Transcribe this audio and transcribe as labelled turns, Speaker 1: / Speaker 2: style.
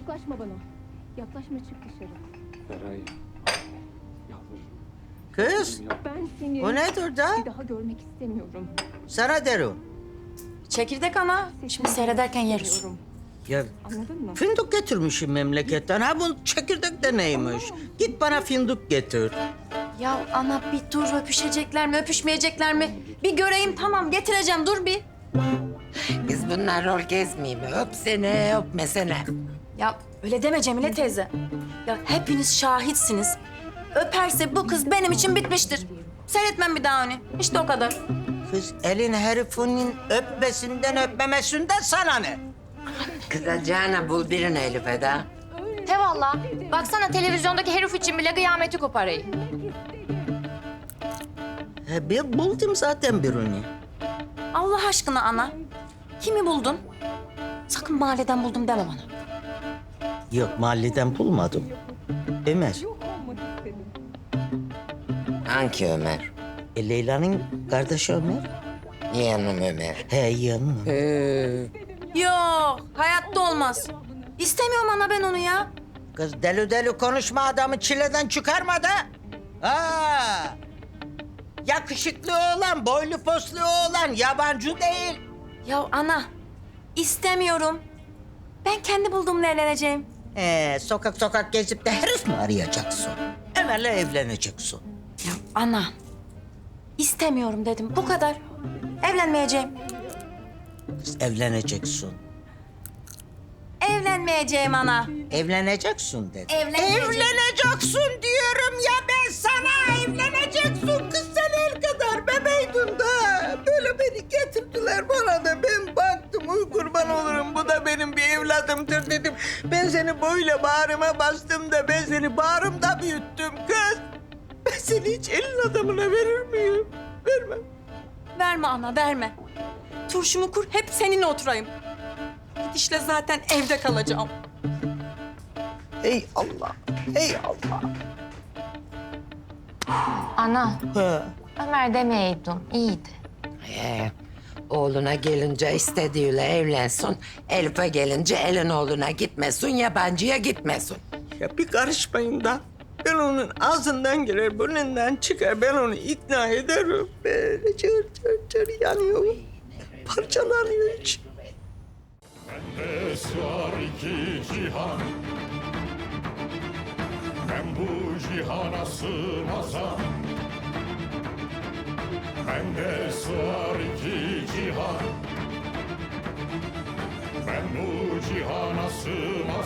Speaker 1: Yaklaşma bana. Yaklaşma, çık dışarı.
Speaker 2: Feray. Yalvarırım.
Speaker 3: Kız,
Speaker 1: Ben seni
Speaker 3: o nedir da?
Speaker 1: bir daha görmek istemiyorum.
Speaker 3: Sana derim.
Speaker 4: Çekirdek ana. Şimdi seyrederken yeriz.
Speaker 1: İstemiyorum.
Speaker 3: Ya
Speaker 1: Anladın mı?
Speaker 3: fındık getirmişim memleketten. Ha bu çekirdek de neymiş? Git bana fındık getir.
Speaker 4: Ya ana bir dur, öpüşecekler mi, öpüşmeyecekler mi? Bir göreyim, tamam getireceğim, dur bir.
Speaker 5: Biz bunlar rol gezmeyeyim mi? Öpsene, öpmesene.
Speaker 4: Ya öyle deme Cemile teyze. Ya hepiniz şahitsiniz. Öperse bu kız benim için bitmiştir. Seyretmem bir daha onu. İşte o kadar.
Speaker 3: Kız elin herifinin öpmesinden öpmemesinden sana ne?
Speaker 5: Kızacağına bul birini Elif'e de.
Speaker 6: He valla. Baksana televizyondaki herif için bile kıyameti koparayım.
Speaker 3: He, ben buldum zaten birini.
Speaker 4: Allah aşkına ana. Kimi buldun? Sakın mahalleden buldum deme bana.
Speaker 3: Yok mahalleden bulmadım. Ömer.
Speaker 1: Yok olmak istedim.
Speaker 5: Hangi Ömer?
Speaker 3: Leyla'nın kardeşi Ömer.
Speaker 5: Yeğenim Ömer.
Speaker 3: He yanım.
Speaker 4: Yok, hayatta olmaz. İstemiyorum ana ben onu ya.
Speaker 3: Kız deli deli konuşma, adamı çileden çıkarma da. Ha. Yakışıklı oğlan, boylu poslu oğlan, yabancı değil.
Speaker 4: Ya ana, istemiyorum. Ben kendi bulduğumla evleneceğim.
Speaker 3: Sokak sokak gezip de herif mi arayacaksın? Ömer'le evleneceksin.
Speaker 4: Ya ana, istemiyorum dedim. Bu kadar. Evlenmeyeceğim.
Speaker 3: Kız evleneceksin.
Speaker 4: Evlenmeyeceğim ana.
Speaker 3: Evleneceksin dedi.
Speaker 4: Evlenmeyeceğim.
Speaker 3: Evleneceksin diyorum ya ben sana. Evleneceksin kız, sen el kadar bebeydin da. Böyle beni getirdiler bana da ben baktım, uy kurban olurum bu da benim bir evladımdır dedim. Ben seni böyle bağrıma bastım da ben seni bağrımda büyüttüm kız. Ben seni hiç elin adamına verir miyim? Vermem.
Speaker 4: Verme ana, verme. Turşumu kur, hep seninle oturayım. Gidişle zaten evde kalacağım.
Speaker 3: Ey Allah, ey Allah.
Speaker 6: Ana,
Speaker 3: Ha.
Speaker 6: Ömer demeyeydin. İyiydi.
Speaker 5: Oğluna gelince istediğiyle evlensin. Elif'e gelince elin oğluna gitmesin, yabancıya gitmesin.
Speaker 3: Ya bir karışmayın da. Ben onun ağzından girer, burnundan çıkar. Ben onu ikna ederim. Böyle çır çır çır yanıyor. Parçalanıyor içim.
Speaker 7: Bende sığar iki cihan. Ben bu cihana sığmazam. Bende sığar iki cihan. Ben bu cihana sığmazam.